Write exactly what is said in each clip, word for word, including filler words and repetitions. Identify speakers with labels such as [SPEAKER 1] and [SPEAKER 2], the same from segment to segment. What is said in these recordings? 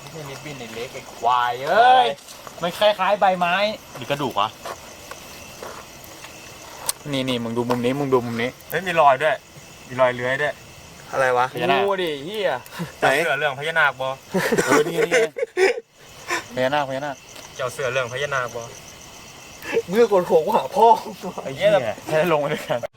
[SPEAKER 1] ไม่ใช่ริบบิ้นในเล็กไอ้ควายเอ้ยมันคล้ายๆใบไม้หรือกระดูกวะนี่นี่มึงดูมุมนี้มึงดูมุมนี้เฮ้ยมีรอยด้วยมีรอยเลื้อยด้วย
[SPEAKER 2] อะไรวะ
[SPEAKER 1] พญานาคดิเฮียเจ้าเสือเรื่องพญานาคบอเออนี่นี่พญานาคพญานาคเจ้าเสือเรื่องพญานาคบอ
[SPEAKER 2] เมื่อกดโขงหาพ่อ
[SPEAKER 1] ไอ้เหี้ยให้ลงมาด้วยกัน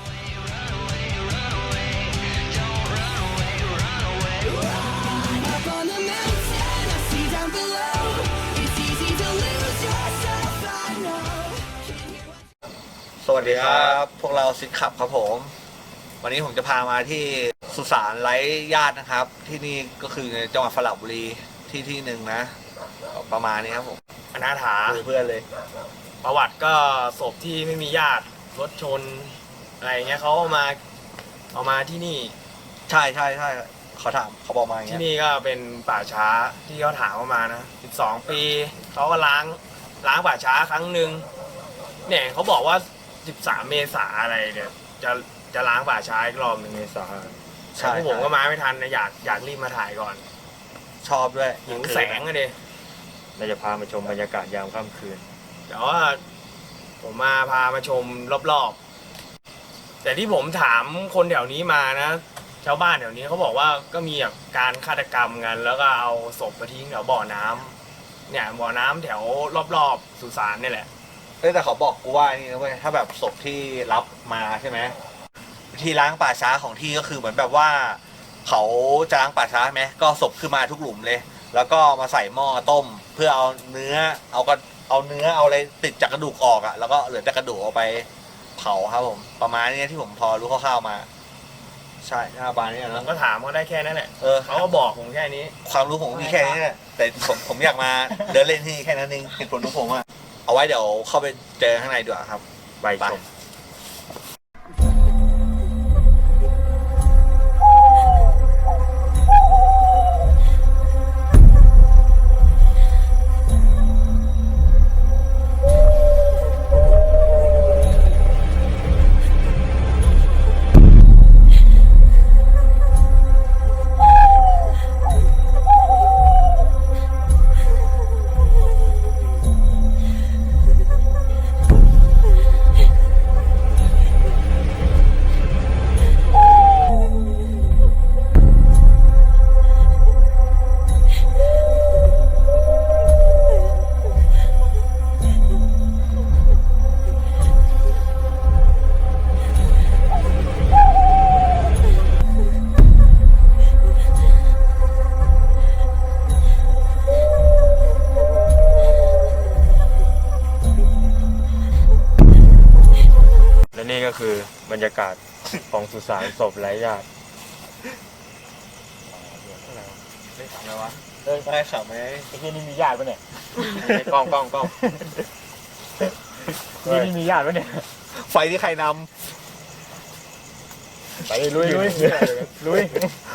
[SPEAKER 2] สวัสดีครับพวกเราซิดขับครับผมวันนี้ผมจะพามาที่สุสานไร้ญาตินะครับที่นี่ก็คือในจังหวัดสระบุรีที่ที่หนึ่งนะประมาณนี้ครับผม
[SPEAKER 1] อนาถา
[SPEAKER 2] เพื่อนเลย
[SPEAKER 1] ประวัติก็ศพที่ไม่มีญาติรถชนอะไรเงี้ยเขาเอามาเอามาที่นี่
[SPEAKER 2] ใช่ใช่ใช่เขาถามเขาบอกมาอย่างเงี้ย
[SPEAKER 1] ที่นี่ก็เป็นป่าช้าที่เขาถามเข้ามานะสิบสองปีเขาก็ล้างล้างป่าช้าครั้งหนึ่งเนี่ยเขาบอกว่าสิบสามเมษาอะไรเนี่ยจะจะล้างป่าช้าอีกรอบหนึ่งเมษาใช่ผมก็มาไม่ทันนะอยากอยากรีบมาถ่ายก่อน
[SPEAKER 2] ชอบด้วย
[SPEAKER 1] หิวแสงอะดิเราจะพามาชมบรรยากาศยามค่ำคืนแต่ว่าผมมาพามาชมรอบๆแต่ที่ผมถามคนแถวนี้มานะชาวบ้านแถวนี้เขาบอกว่าก็มีแบบการฆาตกรรมกันแล้วก็เอาศพมาทิ้งแถวบ่อน้ำเนี่ยบ่อน้ำแถวรอบๆสุสานนี่แหละ
[SPEAKER 2] เอ้แต่เขาบอกกูว่านี่นะเว้ยถ้าแบบศพที่รับมาใช่ไหมที่ล้างป่าช้าของที่ก็คือเหมือนแบบว่าเขาจะล้างป่าช้าไหมก็ศพขึ้นมาทุกหลุมเลยแล้วก็มาใส่หม้อต้มเพื่อเอาเนื้อเอาก็เอาเนื้อเอาอะไรติดจากกระดูกออกอ่ะแล้วก็เหลือแต่กระดูกเอาไปเผาครับผมประมาณนี้ที่ผมพอรู้คร่าวๆมาใช่หน้าบานนี่นะ
[SPEAKER 1] ก็ถามเขาได้แค่นั้นแหละเออเขาก็บอกผมแค่นี้
[SPEAKER 2] ความรู้ผมมีแค่นี้แหละแต่ผมผมอยากมาเดินเล่นที่แค่นั้นเองเหตุผลของผมอ่ะเอาไว้เดี๋ยวเข้าไปเจอข้างในดีกว่าครับ
[SPEAKER 1] ไปชมนี่ก็คือบรรยากาศของสุสานศพไร้ญาติอะไรวะ
[SPEAKER 2] เฮ้ยได้ข่าวไหม
[SPEAKER 1] ไอ้ที่นี่มีญาติปะเนี่ยกล้องกล้องกล้องที่นี่มีญาติปะเนี่ย
[SPEAKER 2] ไฟที่ใครน
[SPEAKER 1] ำไปลุยลุยลุย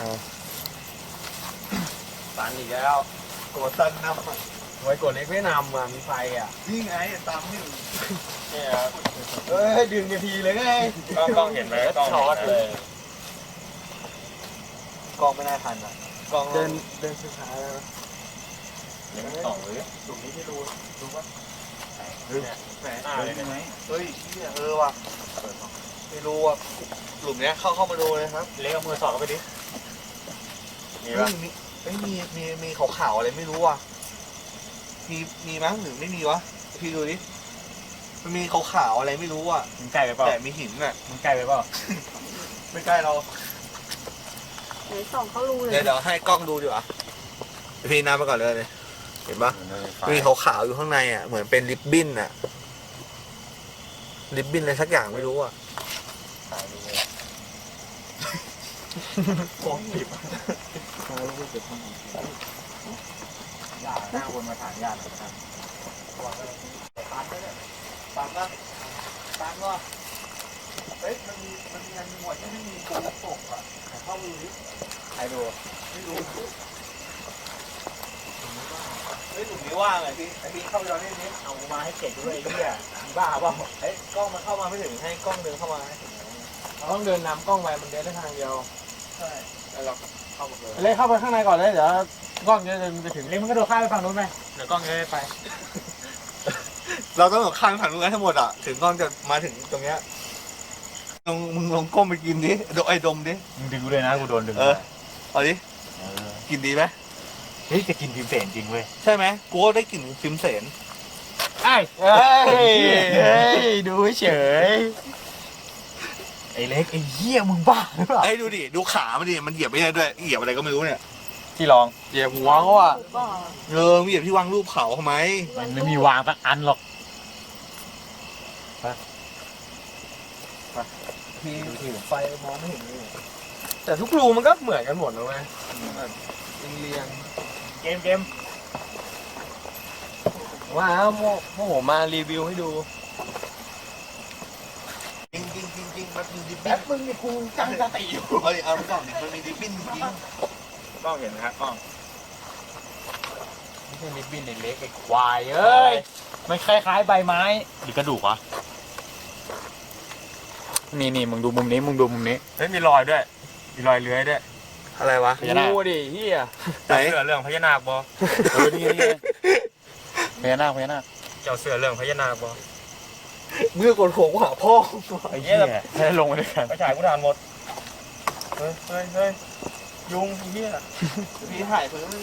[SPEAKER 1] ตันอีกแล้ว
[SPEAKER 2] กดตันนำ
[SPEAKER 1] ไว้กดเล็กไม่นำอ่ะมีไฟอ่ะ
[SPEAKER 2] นี่ไงตามนี่
[SPEAKER 1] เนี่ยครับ
[SPEAKER 2] เอ้ยดึงนาทีเลยไง
[SPEAKER 1] กล้องกล้องเห็นไหมกล้องช็อตเลย
[SPEAKER 2] กล้องไม่น่าทันอ่ะกล้อง
[SPEAKER 1] เดินเดินสุดท้ายแล้วยังไม่ต่อเลยตรงนี้ไม่รู้รู้ป่ะ
[SPEAKER 2] หรือแหมหน้าเลยไหมเฮ้ยเออว่ะไม่รู้ว่ะหลุมเนี้ยเข้าเข้ามาดูเลยครับ
[SPEAKER 1] เล็กเอามือสอดเข้าไปดิ
[SPEAKER 2] มีป่ะไม่มีมีมีขาวๆอะไรไม่รู้ว่ะมีมีมั้งหรือไม่มีวะพี่ดูดิมันมีขาวๆอะไรไม่รู้อ่ะ
[SPEAKER 1] มันใกล้ไปเปล่า
[SPEAKER 2] แต่มีหินอ่ะ
[SPEAKER 1] มันใกล้ไปเปล่า
[SPEAKER 2] ไม่ใกล้เรา
[SPEAKER 3] ไหนส่องเขารู้เลย
[SPEAKER 2] เดี๋ยวเดี๋ยวให้กล้องดูดีกว่าพี่น้ำไปก่อนเลยเห็นปะมีขาวๆอยู่ข้างในอ่ะเหมือนเป็นริบบิ้นอ่ะริบบิ้นอะไรสักอย่างไม่รู้อ่ะ
[SPEAKER 1] กล้องหยิบญาติหน้าวนมาถามญาตินะครับตามได้เลยตามนะตามก็เฮ้ยมันมีมันมีอันหมวดที่ไม่มีปูตกอ่ะเข้ามือดิใครดูไม่รู้
[SPEAKER 2] เฮ้ยหนุ่มนี้ว่างไงพี่ไอพี่เข้าไปนอนนี่นี่
[SPEAKER 1] เอามาให้เก็บด้วยไอ้เหี้ยบ้าเปล่า
[SPEAKER 2] เฮ้ยกล้องมันเข้ามาไม่ถึงให้กล้องเดินเข้ามาให้ถึง
[SPEAKER 1] เราต้องเดินนำกล้องไปมันเดินได้ทางเดียว
[SPEAKER 2] ใช่แล้วเราเข้าหมดเลย
[SPEAKER 1] เลยเข้าไปข้างในก่อนเลยเดี๋ยว
[SPEAKER 4] กล้องจะไปถึงเล็กมันก็โดดข้ามไปฝั่งนู้นไหมเดี๋ยวกล้องจะได้ไป
[SPEAKER 2] เราต้องหลบข้างถังนู้นทั้งหมดอ่ะถึงกล้องจะมาถึงตรงเนี้ยลองมึงลองก้มไปกินดิดไอ้ดมดิ
[SPEAKER 4] มึงดึงกูเลยนะกูโดนดึง
[SPEAKER 2] เออเอาดิกินดีไหม
[SPEAKER 4] เฮ้ยจะกินพิมเสนจริงเว้ย
[SPEAKER 2] ใช่ไหมกูก็ได้กลิ่นฟิล์มเสน
[SPEAKER 4] ไอ้เฮ้ยเฮ้ยดูเฉยไอ้เล็กไอ้เหี้ยมึงบ้าหรือเปล่า
[SPEAKER 2] ไอ้ดูดิดูขามันดิมันเหยียบไม่ได้ด้วยเหยียบอะไรก็ไม่รู้เนี่ย
[SPEAKER 4] ที่ลอง
[SPEAKER 1] เหยียบหัวเขาอ่ะ
[SPEAKER 3] ถูกเปล่า
[SPEAKER 2] เออมึงเหยียบที่วางรูปเขาทำไม
[SPEAKER 4] มันไม่มีวางสักอันหรอก
[SPEAKER 2] พี่ถือไฟมองไม่เห็นเลย
[SPEAKER 1] แต่ทุกรูมันก็เหมือนกันหมดนะเว้ยแบบเรียง
[SPEAKER 4] เกมเกม
[SPEAKER 1] ๆว่าโมโมโหมารีวิวให้ดู
[SPEAKER 2] จริงจริงจริงจริงมันมีดิบ
[SPEAKER 4] แป๊บมึงนี่กูจังสติอยู่
[SPEAKER 2] เฮ้ยเอาไปก่อนดิมันมีดิบบิ้นจริง
[SPEAKER 4] กล้องเห็นไหมครับกล้องไม่ใช่ลิบบินในเล็กไอ้ควายเอ้ยมันคล้ายๆใบไม้หรือกระดูกวะนี่นี่มึงดูมุมนี้มึงดูมุมนี้เฮ้ยมีรอยด้วยมีรอยเลื้อยด้วย
[SPEAKER 2] อะไรวะ
[SPEAKER 4] พญานาค
[SPEAKER 1] งูดิเฮีย
[SPEAKER 2] ไหน
[SPEAKER 4] เสือเรื่องพญานาคบอเออนี่นี่พญานาคพญานาคเจ้าเสือเรื่องพญานาคบอ
[SPEAKER 2] เมื่อกดโขงหาพ่อ
[SPEAKER 4] ไอ้เหี้ยให้ลงไปด้วยกันไปฉายกูทานหมดเฮ้ยเฮ้ยเฮ้ยยุงไอ้เหี้ย
[SPEAKER 2] พี่ถ่ายเพิ่ม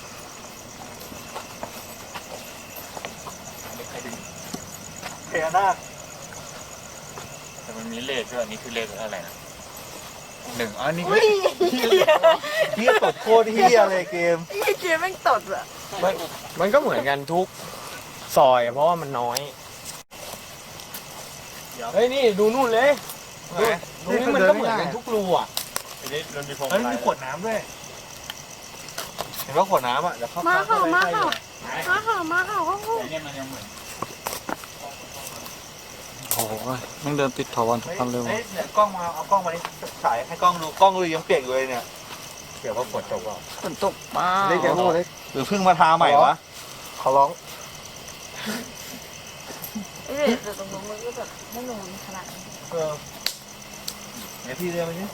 [SPEAKER 4] พญานาคแต่มันมีเลขด้วยอันนี้คือเลขอะไรนะหนึ่งอ๋อนี่คือ
[SPEAKER 2] พี่ตดโคตรเฮียเลยเกม
[SPEAKER 3] ไอ้เกมแม่งตดอะ
[SPEAKER 1] มันมันก็เหมือนกันทุกซอยอะเพราะว่ามันน้อย เฮ้ยนี่ดูนู่นเลยดูนี่มันก็เหมือนกันทุกรูอ่ะ
[SPEAKER 4] อันนี้มันมีพวง
[SPEAKER 2] เฮ้ย
[SPEAKER 4] มาลั
[SPEAKER 2] มี
[SPEAKER 4] ย
[SPEAKER 2] ขวดน้ำด้วยเห็นว่าขวดน้ำอ่ะเดี๋ยวเข้า
[SPEAKER 3] มา
[SPEAKER 2] เข้า
[SPEAKER 3] เห่า
[SPEAKER 2] ไป
[SPEAKER 3] มา
[SPEAKER 2] ใกล้
[SPEAKER 3] เห่ามาเห่ามาเห่าเขาเขา
[SPEAKER 4] แต่เนี่ยมันยังเหมือน
[SPEAKER 5] โอ้โหมึงเดินติดถาวรทุกคันเลย
[SPEAKER 2] เฮ้
[SPEAKER 5] วะ
[SPEAKER 2] ยเนี่ยกล้องมาเอากล้องมาดิฉายให้กล้องดูกล้องดูยังเปียกอยู่เลยเนี่ย
[SPEAKER 4] เกี่ยวกับฝนตกเปล่า
[SPEAKER 3] ฝนตกมา
[SPEAKER 1] เล็กแกโง่เล็ก
[SPEAKER 2] หรือเพิ่งมาทาใหม่วะ
[SPEAKER 1] ขอร้อง
[SPEAKER 3] เอ้ยแต่ตรงนู้นมันก็แบบไม่นูนขนาดนี้
[SPEAKER 2] เออเดี๋ยวพี่เรียกมาดิ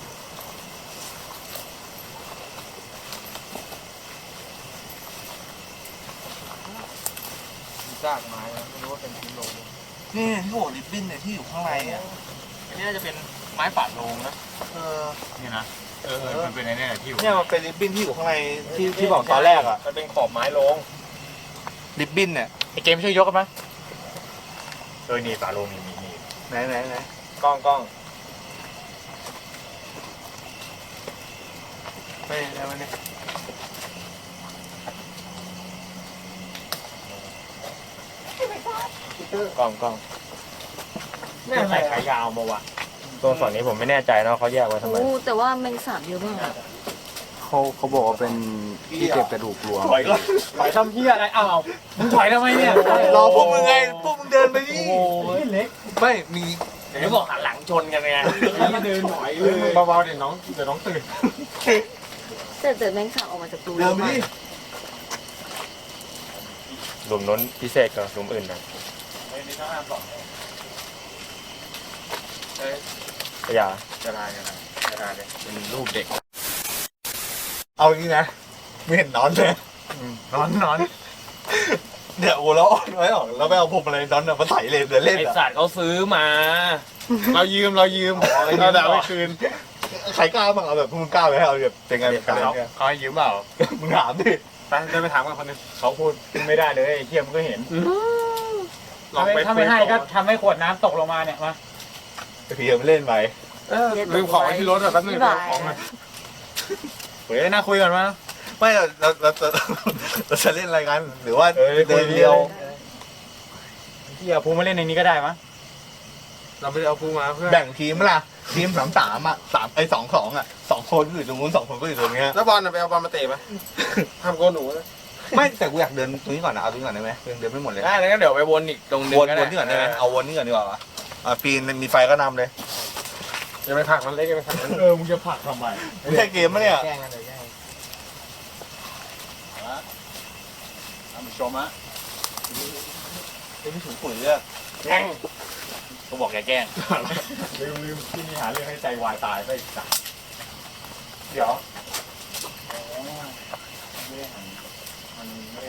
[SPEAKER 1] ซากไม้นะไม่รู้ว่าเป็นชิ้นโลง
[SPEAKER 2] นี่ที่โหลิบบิ้นเนี่ยที่อยู่ข้างในอ่ะ
[SPEAKER 4] อันนี้น่าจะเป็นไม้ป่าโลงนะ
[SPEAKER 2] เออ
[SPEAKER 4] นี่นะเออเออมันเป็นไอ้เนี่ยที่อยู่
[SPEAKER 2] เนี่ยมันเป็นริบบิ้นที่อยู่ข้างในที่ที่บอกตอนแรกอ่ะ
[SPEAKER 4] มันเป็นขอบไม้โลง
[SPEAKER 2] ริบบิ้นเนี่ย
[SPEAKER 4] ไอเกมช่วยยกกันไหมเออนี่ป่าโลงนี่นี่นี่
[SPEAKER 2] ไหนไหนไหน
[SPEAKER 1] กล้องกล้อง
[SPEAKER 2] ไปไหนวะเนี่ย
[SPEAKER 1] กล้องกล้องนี่ใส่ขายาวมาวะตัวส่วนนี้ผมไม่แน่ใจนะเขาแยกไว้ทำไม
[SPEAKER 3] โอ้แต่ว่าแมงสาบเยอะมาก
[SPEAKER 5] เขาเขาบอกว่าเป็นที่เก็บกระดูกรวม
[SPEAKER 2] ถอยก่อน
[SPEAKER 4] ถอยทำเพี้ยอะไรอ้าวมึงถอยทำไมเนี่ย
[SPEAKER 2] รอพวกมึงไงพวกมึงเดินไปดิ
[SPEAKER 4] โอ้ยเล็ก
[SPEAKER 2] ไม่มี
[SPEAKER 1] เดี๋ยวบอกหันหลังชนกันไง
[SPEAKER 4] เดินถอยเลย
[SPEAKER 1] เบาๆเดี๋ยวน้องเดี๋ยวน้องตื่น
[SPEAKER 3] แต่แต่แมงสาบออกมาจากรู
[SPEAKER 2] เดินไปดิ
[SPEAKER 1] หลุมน้นพิเศษกว่าหลุมอื่นนะ
[SPEAKER 4] ไอ้นี่ต้องห้ามบอก
[SPEAKER 1] อย่า
[SPEAKER 4] จะลายกันนะจะลายเลย
[SPEAKER 1] เป็นรูปเด็ก
[SPEAKER 2] เอาอย่างนี้นะไม่เห็นนอนเลย
[SPEAKER 4] นอนนอน
[SPEAKER 2] เดี๋ยวโอ้แล้วอ่อนไว้ออกแล้วไปเอาผมอะไรนอนเนี่ยมาใส่เลยเดี๋ยวเล่น
[SPEAKER 1] ไอ
[SPEAKER 2] อ่ะ
[SPEAKER 1] สัตว์เขาซื้อมา เรายืมเรายืมเราแต่ไม่คืน
[SPEAKER 2] ใครกล้าบ้างเอาแบบพวกมึงกล้าไหมเอาแบบเป็นไงเป็นการ
[SPEAKER 1] เขา
[SPEAKER 2] เนี่ย
[SPEAKER 1] เขาให้ยืมเปล่า
[SPEAKER 2] มึงถามดิ
[SPEAKER 4] ไปเดินไปถามกันคนนึงเขาพูดไม่ได้เลยไอ้เทียมก็เห็น
[SPEAKER 1] ลองไป
[SPEAKER 4] ถ้าไม่ให้ก็ทำให้ขวดน้ำตกลงมาเนี่ยมา
[SPEAKER 2] พี่ยังไม่เล่นไป
[SPEAKER 1] ลืมของไว้ที่รถอะแป๊บนึงเดี๋ยวเอาของมา
[SPEAKER 4] เฮ้ยน่าคุยกันมา
[SPEAKER 2] ไม่เราเราเราเราเราจะเล่นอะไรกัน หรือว่า
[SPEAKER 4] เออคุ
[SPEAKER 2] เดิ
[SPEAKER 4] ย
[SPEAKER 2] นเดียว
[SPEAKER 4] ที่เอาพูมาเล่นในนี้ก็ได้มั้ง
[SPEAKER 1] เราไม่ได้เอาพูมาเพื่อน
[SPEAKER 2] แบ่งทีมมั้ยล่ะทีมสามสามอ่ะสามไอ้สองสองอ่ะสองคนก็อยู่ตรงนู้นสองคนก็อยู่ตรงเนี้ย
[SPEAKER 1] แล้วบอลน่ะไปเอาบอลมาเตะปะทำโกนหนูนะ
[SPEAKER 2] ไม่แต่กูอยากเดินตรงนี้ก่อนนะเอาตรงนี้ก่อนได้ไหมยังเดินไม่หมดเลย
[SPEAKER 1] ได้แล้วงั้นเดี๋ยวไปวนอีกตรงนึง
[SPEAKER 2] วน
[SPEAKER 1] ก็
[SPEAKER 2] วนนี่ก่อนได้ไหมเอาวนนี่ก่อนดีกว่าอ่ะปีนมีไฟก็นำเลย
[SPEAKER 1] จะไปผลักมันเล็กจะไปผลักมัน
[SPEAKER 4] เออมึงจะผลักทำไม
[SPEAKER 2] ไม่ใช่เกมมะเนี่ย
[SPEAKER 1] แกล้งกันเลยแกล้ง
[SPEAKER 4] ท่านผู้ชมฮะ
[SPEAKER 2] ไม่ถึงปุ๋ยเลย
[SPEAKER 1] แกล้ง
[SPEAKER 4] เขาบอกอย่าแกล้งลืมลืมที่นี่หาเรื่องให้ใจวายตายไปอีกสัก
[SPEAKER 1] เดี๋ยว
[SPEAKER 4] ไม่ได้หัน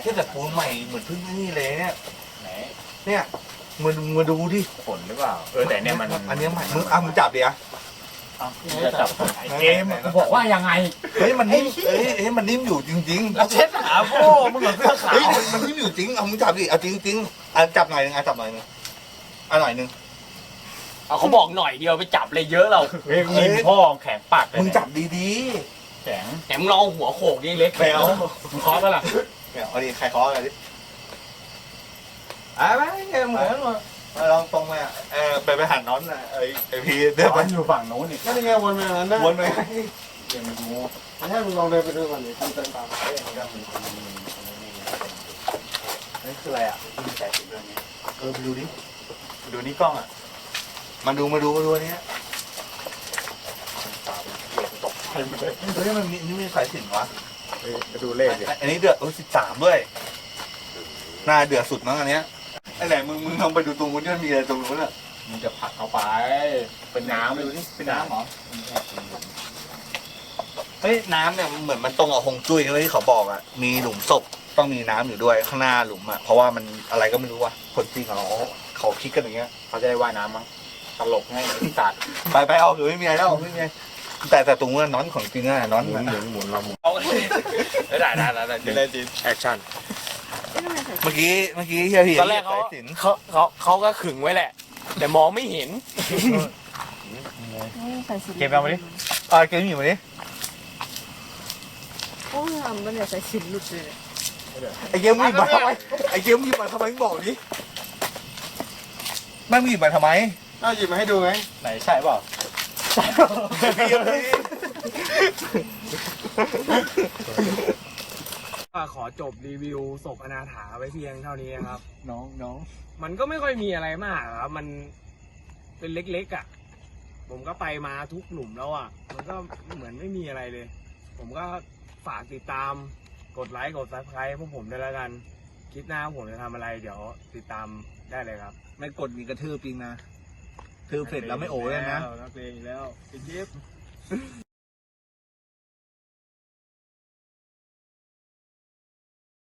[SPEAKER 2] ที่แต่ปูนใหม่เหมือนเพิ่งนี่เลยเนี่ย
[SPEAKER 4] ไหน
[SPEAKER 2] เนี่ยมึงมาดูดิ
[SPEAKER 4] ขนหรือเปล่าเออแต่เนี่ยมัน
[SPEAKER 2] อันเนี้ยใหม่มึงอ่ะมึงจับดิอ่ะ
[SPEAKER 4] เอาจะจับไอ้เกมกูบอกว่ายังไง
[SPEAKER 2] เฮ้ยมันนิ่มเฮ้ยเฮ้ยมันนิ่มอยู่จริงๆ
[SPEAKER 1] แล้วเช็ดขาโบ้มึงเหมือนเสื้อขา
[SPEAKER 2] เฮ้ยว มันมันนิ่มอยู่จริงเอามึงจับดิเอาจริงๆอ่ะจับหน่อยนึงอ่ะจับหน่อยนึงอ่ะหน่อยนึง
[SPEAKER 1] เอาเขาบอกหน่อยเดียวไปจับเลยเยอะเรา
[SPEAKER 4] เฮ้ยมีพ่อแข็งปากเลย
[SPEAKER 2] มึงจับดี
[SPEAKER 4] แข็ง
[SPEAKER 1] แหมลองหัวโขกนี่เล็ก
[SPEAKER 2] ๆไปเอา
[SPEAKER 4] มึงเคาะปะล่ะ
[SPEAKER 2] ไปเอาดิใครเคาะอะไรดิอ่ะไม่เหมือนมาลองตรงมาเออไปไปหันน้อนน่ะไอ้ไอ้พีเดินไป
[SPEAKER 4] มันอยู่ฝั่งโน้นนี่
[SPEAKER 5] นั่นยังไงวนไปอย่างนั้นได้
[SPEAKER 2] วนไป
[SPEAKER 4] เดี๋ยวมันดู
[SPEAKER 5] ไม่ใช่มึงลองเดินไปดูก่อนดิทำเดินตามไป
[SPEAKER 2] นี่คืออะไรอ่ะ
[SPEAKER 4] มีสายสินเรื่องนี้
[SPEAKER 2] เออไปดูดิ
[SPEAKER 4] ดูนี่กล้องอ่ะ
[SPEAKER 2] มาดูมาดูมาดูอันเนี้ย
[SPEAKER 4] ตกใจหมดเลย
[SPEAKER 2] เฮ้ยมันมีนี่มีสายสิญจนวะ
[SPEAKER 5] เฮ้ยไปดูเลขดิ
[SPEAKER 2] อันนี้เดือดเออสิบสามด้วยหน้าเดือดสุดมั้งอันเนี้ยไอ้ไหนมึงมึงลองไปดูตรงนู้นที่มันมีอะไรตรงนู้นอ่ะ
[SPEAKER 4] มึงจะผลักเอาไป เป็นน้ำ
[SPEAKER 2] ดูดิ
[SPEAKER 4] เป็นน้ำเหรอ
[SPEAKER 2] เฮ้ยน้ำเนี่ยมันเหมือนมันตรงกับฮงจุ้ยที่เขาบอกอ่ะมีหลุมศพต้องมีน้ำอยู่ด้วยข้างหน้าหลุมอ่ะเพราะว่ามันอะไรก็ไม่รู้ว่ะคนจริงเขาเขาคิดกันอย่างเงี้ย
[SPEAKER 4] เขาจะได้ว่ายน้ำมั้งตลกให้ไอ้สัตว์
[SPEAKER 2] ไปไปเอาหรือไม่มีอะไรแล้วไม่มีอะไรแต่แต่ตรงนู้นน้อนของจริงอ่ะน้อน
[SPEAKER 5] หมุนหมุนหมุนเราหมุน
[SPEAKER 1] เอาได้ได้ได้ได้ได้จริงแอคชั่น
[SPEAKER 3] ไม่ทำไมใส่
[SPEAKER 2] เมื่อกี้เมื่อกี้เฮียพี่
[SPEAKER 1] ตอนแรกเขา
[SPEAKER 2] สายสิญจน
[SPEAKER 1] เขาเขาเขาก็ขึงไว้แหละ แต่มองไม่เห็น
[SPEAKER 3] ไม่ใส่สิน
[SPEAKER 4] เก็บเอามาดิ
[SPEAKER 2] อ่าเกมอยู่มาดิ
[SPEAKER 3] โอ้ยทำมันเนี่ยใส่สินหลุดเลย
[SPEAKER 2] ไอ้เกมมึงหยิบมาทำไมไอ้เกมมึงหยิบมาทำไมมึงบอกดิแม่งมึงหยิบมาทำไม
[SPEAKER 5] อ้าวหยิบมาให้ดูไง
[SPEAKER 4] ไหนใช่เปล่า
[SPEAKER 2] พี่ยังไม่
[SPEAKER 1] ขอจบรีวิวศพอนาถาไว้เพียงเท่านี้นะครับ
[SPEAKER 4] น้องน้อง
[SPEAKER 1] มันก็ไม่ค่อยมีอะไรมากครับ มันเป็นเล็กๆอ่ะ ผมก็ไปมาทุกหลุมแล้วอ่ะ มันก็เหมือนไม่มีอะไรเลย ผมก็ฝากติดตาม กดไลค์ กดซับสไครต์พวกผมด้วยแล้วกัน คลิปหน้าผมจะทำอะไร เดี๋ยวติดตามได้เลยครับ
[SPEAKER 2] ไม่กดมีกระทืบจริงนะทืบเสร็จแล้วไม่โอ้เลยนะ
[SPEAKER 1] นักเลงอีกแล้วปิดคลิป